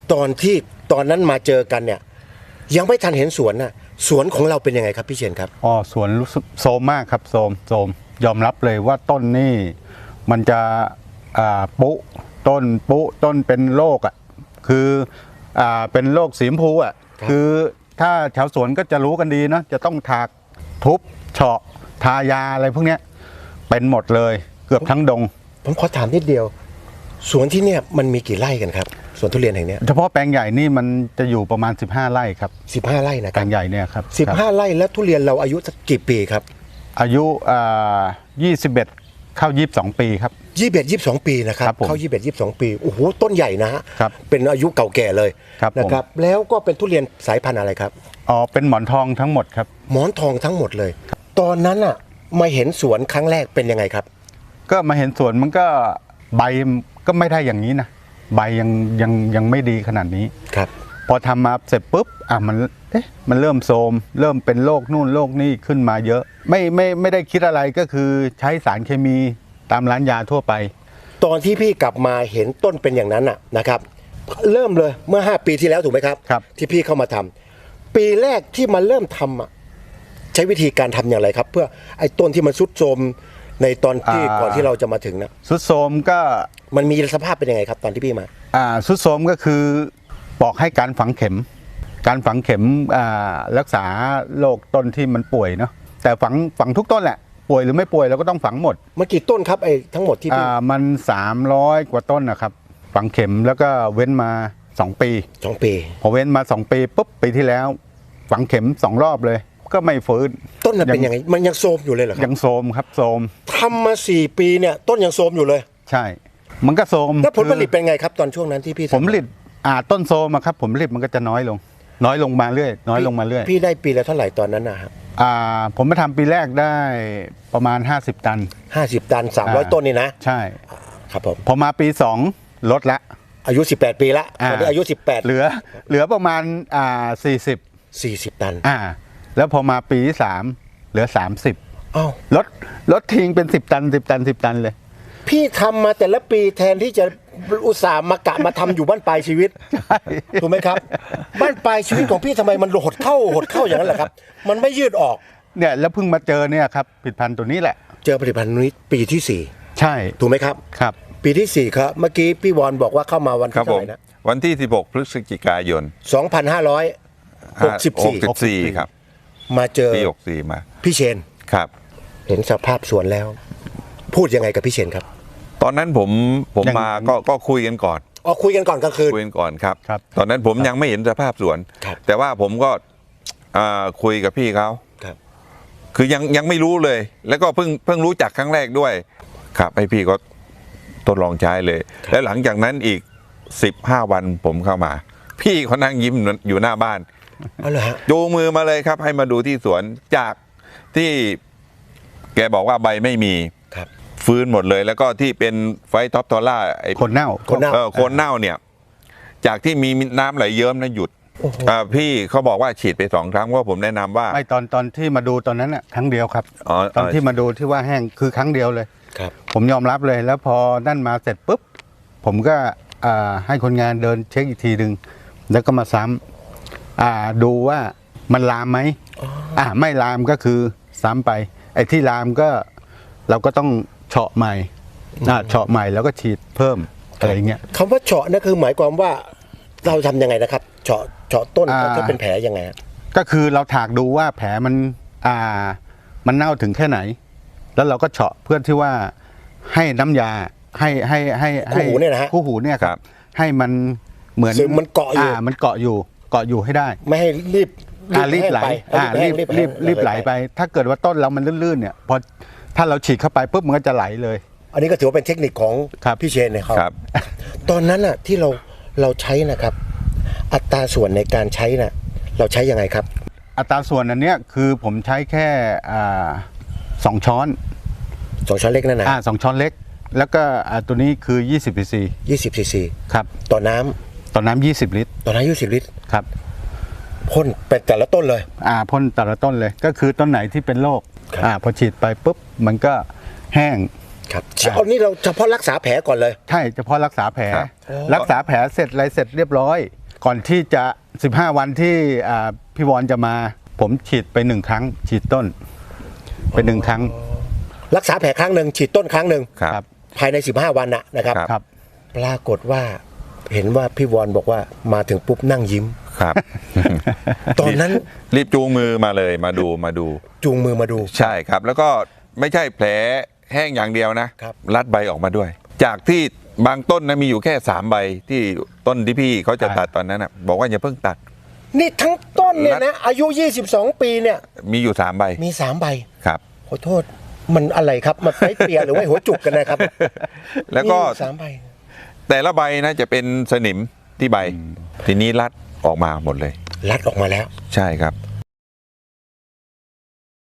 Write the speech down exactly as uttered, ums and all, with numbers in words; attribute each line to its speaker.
Speaker 1: ตอนที่ตอนนั้นมาเจอกันเนี่ยยังไม่ทันเห็นสวนน่ะสวนของเราเป็นยังไงครับพี่เชนครับ
Speaker 2: อ๋อสวนรู้สึกโซมมากครับโซมโซมยอมรับเลยว่าต้นนี่มันจะอ่าปุต้นปุต้นเป็นโรคอ่ะคืออ่าเป็นโรคสีชมพูอ่ะคือถ้าแถวสวนก็จะรู้กันดีเนาะจะต้องถากทุบเฉาะทายาอะไรพวกเนี้ยเป็นหมดเลยเกือบทั้งดง
Speaker 1: ผมขอถามนิดเดียวสวนที่เนี่ยมันมีกี่ไร่กันครับสวนทุเรียนแห่งนี้
Speaker 2: เฉพาะแปลงใหญ่นี่มันจะอยู่ประมาณสิบห้าไร่ครับ
Speaker 1: สิบห้าไร่นะค
Speaker 2: แปล
Speaker 1: รับ
Speaker 2: งใหญ่เนี่ยครับ
Speaker 1: สิบห้าไร่แล้วทุเรียนเราอายุสักกี่ปีครับ
Speaker 2: อายุอ่ายี่สิบเอ็ดเข้ายี่สิบสองปีครับ
Speaker 1: ยี่สิบเอ็ดยี่สิบสองปีนะครับเข้ายี่สิบเอ็ดยี่สิบสองปีโอ้โหต้นใหญ่นะฮะเป็นอายุเก่าแก่เลยนะครับแล้วก็เป็นทุเรียนสายพันธุ์อะไรครับ
Speaker 2: อ๋อเป็นหมอนทองทั้งหมดครับ
Speaker 1: หมอนทองทั้งหมดเลยตอนนั้นอ่ะมาเห็นสวนครั้งแรกเป็นยังไงครับ
Speaker 2: ก็มาเห็นสวนมันก็ใบก็ไม่ได้อย่างนี้นะใบยังยังยังไม่ดีขนาดนี้
Speaker 1: ครับ
Speaker 2: พอทำมาเสร็จปุ๊บอ่ะมันเอ๊ะมันเริ่มโทรมเริ่มเป็นโรคนู่นโรคนี่ขึ้นมาเยอะไม่ไม่ไม่ได้คิดอะไรก็คือใช้สารเคมีตามร้านยาทั่วไป
Speaker 1: ตอนที่พี่กลับมาเห็นต้นเป็นอย่างนั้นน่ะนะครับเริ่มเลยเมื่อห้าปีที่แล้วถูกไหมครับ
Speaker 2: ครับ
Speaker 1: ที่พี่เข้ามาทำปีแรกที่มาเริ่มทำอ่ะใช้วิธีการทำอย่างไรครับเพื่อไอ้ต้นที่มันทรุดโทรมในตอนที่ก่อนที่เราจะมาถึงนะ
Speaker 2: ทรุดโทรมก็
Speaker 1: มันมีสภาพเป็นยังไงครับตอนที่พี่มา
Speaker 2: อ่าทรุดโทรมก็คือบอกให้การฝังเข็มการฝังเข็มอ่ารักษาโรคต้นที่มันป่วยเนาะแต่ฝังฝังทุกต้นแหละป่วยหรือไม่ป่วยเราก็ต้องฝังหมด
Speaker 1: มันกี่ต้นครับไอ้ทั้งหมดที่
Speaker 2: อ่ามันสามร้อยกว่าต้นนะครับฝังเข็มแล้วก็เว้นมาสองปี
Speaker 1: สองปี
Speaker 2: พอเว้นมาสองปีปุ๊บปีที่แล้วฝังเข็มสองรอบเลยก็ไม่ฟื้น
Speaker 1: ต้นมันเป็นยังไงมันยังโทรมอยู่เลยเหรอครับ
Speaker 2: ยังโทรมครับโทรม
Speaker 1: ทำมาสี่ปีเนี่ยต้นยังโทรมอยู่เลย
Speaker 2: ใช่มันก็โทรม
Speaker 1: แล้วผลผลิตเป็นไงครับตอนช่วงนั้นที่พี่
Speaker 2: ผลผลิตอ่าต้นโทรมครับผลผลิตมันก็จะน้อยลงน้อยลงมาเรื่อยน้อยลงมาเรื่อย
Speaker 1: พี่ได้ปีละเท่าไหร่ตอนนั้นนะครับ
Speaker 2: อ่าผมมาทำปีแรกได้ประมาณห้าสิบตัน
Speaker 1: ห้าสิบตันสามร้อยต้นนี่นะ
Speaker 2: ใช่
Speaker 1: ครับผม
Speaker 2: พอมาปีสองลดละ
Speaker 1: อายุสิบแปดปีละตอนนี้อายุสิบแปด
Speaker 2: เหลือเหลือประมาณอ่าสี่สิบ
Speaker 1: สี่สิบตัน
Speaker 2: อ่าแล้วพอมาปีที่สามเหลือสามสิบ
Speaker 1: อ้าว
Speaker 2: ลดลดทิ้งเป็นสิบตันสิบตันสิบตันเลย
Speaker 1: พี่ทำมาแต่ละปีแทนที่จะอุตส่าห์มากะมาทำอยู่บ้านปลายชีวิตถูกไหมครับบ้านปลายชีวิตของพี่ทำไมมันหดเข้าหดเข้าอย่างนั้นแหละครับมันไม่ยืดออก
Speaker 2: เนี่ยแล้วเพิ่งมาเจอเนี่ยครับผลิตภัณฑ์ตัวนี้แหละ
Speaker 1: เจอผลิตภัณฑ์นี้ปีที่สี่
Speaker 2: ใช่
Speaker 1: ถูกไหมครับ
Speaker 2: ครับ
Speaker 1: ปีที่สี่ครับเมื่อกี้พี่วอนบอกว่าเข้ามาวันที่เท่าไหร่นะ
Speaker 3: วันที่สิบหกพฤศจิกายน
Speaker 1: สองพันห้าร้อยหกสิบสี่
Speaker 3: ครับ
Speaker 1: มาเจอ
Speaker 3: ปีหกสี่มา
Speaker 1: พี่เชน
Speaker 3: ครับ
Speaker 1: เห็นสภาพสวนแล้วพูดยังไงกับพี่เชนครับ
Speaker 3: ตอนนั้นผมผมมาก็ก็คุยกันก่อน
Speaker 1: อ๋อคุยกันก่อนกลางคืน
Speaker 3: คุยกันก่อนครับตอนนั้นผมยังไม่เห็นสภาพสวนแต่ว่าผมก็คุยกับพี่เขาคือยังยังไม่รู้เลยแล้วก็เพิ่งเพิ่งรู้จักครั้งแรกด้วยครับให้พี่ก็ทดลองใช้เลยแล้วหลังจากนั้นอีกสิบห้าวันผมเข้ามาพี่เขานั่งยิ้มอยู่หน้าบ้านจูงมือมาเลยครับให้มาดูที่สวนจากที่แกบอกว่าใบไม่มีฟื้นหมดเลยแล้วก็ที่เป็นไฟท็อปทอร่าไอ้
Speaker 2: คนเน่า
Speaker 1: คนเน่า
Speaker 3: คนเน่าเนี่ยจากที่มีน้ำไหลเยิ้มนะหยุดพี่เขาบอกว่าฉีดไปสองครั้งว่าผมแนะนำว่า
Speaker 2: ไม่ตอนตอนที่มาดูตอนนั้นอ่ะครั้งเดียวครับตอนที่มาดูที่ว่าแห้งคือครั้งเดียวเลยผมยอมรับเลยแล้วพอนั่นมาเสร็จปุ๊บผมก็ให้คนงานเดินเช็คอีกทีหนึ่งแล้วก็มาซ้ำดูว่ามันลามไหมอ่าไม่ลามก็คือซ้ำไปไอ้ที่ลามก็เราก็ต้องเฉาะใหม่เฉาะใหม่แล้วก็ฉีดเพิ่มอะไรเงี้ย
Speaker 1: คำว่าเฉาะนั่นคือหมายความว่าเราทำยังไงนะครับเฉาะเฉาะต้นถ้าเป็นแผลยังไง
Speaker 2: ก็คือเราถากดูว่าแผลมันอ่ามันเน่าถึงแค่ไหนแล้วเราก็เฉาะเพื่อที่ว่าให้น้ำยาให้ให้ให้
Speaker 1: คู่หูเนี่ยนะฮะ
Speaker 2: คู่หูเนี่ยครับให้มันเหมือน
Speaker 1: มันเกาะอยู่
Speaker 2: มันเกาะอยู่เกาะอยู่ให้ได้
Speaker 1: ไม่ให้รีบ
Speaker 2: รีบไหลรีบรีบรีบไหลไปถ้าเกิดว่าต้นเรามันลื่นๆเนี่ยพอถ้าเราฉีดเข้าไปปุ๊บมันก็จะไหลเลย
Speaker 1: อันนี้ก็ถือว่าเป็นเทคนิคของพี่เชนนะครับตอนนั้นอ่ะที่เราเราใช้นะครับอัตราส่วนในการใช้น่ะเราใช้ยังไงครับ
Speaker 2: อัตราส่วนอันเนี้ยคือผมใช้แค่สองช้อน
Speaker 1: สองช้อนเล็กนั่นนะ
Speaker 2: อ่าสองช้อนเล็กแล้วก็ตัวนี้คือยี่สิบซีซี
Speaker 1: ยี่สิบซีซี
Speaker 2: ครับ
Speaker 1: ต่อน้ำ
Speaker 2: ต่อน้ำยี่สิบลิตร
Speaker 1: ต่อน้ำยี่สิบลิตร
Speaker 2: ครับ
Speaker 1: พ่นไปแต่ละต้นเลย
Speaker 2: อ่าพ่นแต่ละต้นเลยก็คือต้นไหนที่เป็นโรคอ่าพอฉีดไปปุ๊บมันก็แห้ง
Speaker 1: ครับเอานี่เราเฉพาะรักษาแผลก่อนเลย
Speaker 2: ใช่เฉพาะรักษาแผล
Speaker 3: ครับ
Speaker 2: รักษาแผลเสร็จอะไรเสร็จเรียบร้อย ก่อนที่จะสิบห้าวันที่อ่าพี่วอนจะมา ผมฉีดไปหนึ่งครั้ง ฉีดต้นไปหนึ่งครั้ง
Speaker 1: รักษาแผลครั้งหนึ่งฉีดต้นครั้งหนึ่ง
Speaker 3: ครับ
Speaker 1: ภายในสิบห้าวันนะนะครับ
Speaker 2: ครับ
Speaker 1: ปรากฏว่าเห็นว่าพี่วอนบอกว่ามาถึงปุ๊บนั่งยิ้ม
Speaker 3: ครับ
Speaker 1: ตอนนั้น
Speaker 3: รีบจูงมือมาเลยมาดูมาดู
Speaker 1: จูงมือมาดู
Speaker 3: ใช่ครับ แล้วก็ไม่ใช่แผลแห้งอย่างเดียวนะครับ รัดใบออกมาด้วย จากที่บางต้นนะมีอยู่แค่สามใบที่ต้นที่พี่เขาจะตัดตอนนั้นนะบอกว่าอย่าเพิ่งตัด
Speaker 1: นี่ทั้งต้นเนี่ยนะอายุยี่สิบสองปีเนี่ย
Speaker 3: มีอยู่สามใบ
Speaker 1: มีสามใบ
Speaker 3: ครับ
Speaker 1: ขอโทษมันอะไรครับมันไปเปียหรือว่าหัวจุกกันนะครับ
Speaker 3: แล้วก็
Speaker 1: มีอยู่สามใบ
Speaker 3: แต่ละใบนะจะเป็นสนิมที่ใบ ทีนี้รัดออกมาหมดเลย
Speaker 1: รัดออกมาแล้ว
Speaker 3: ใช่ครับ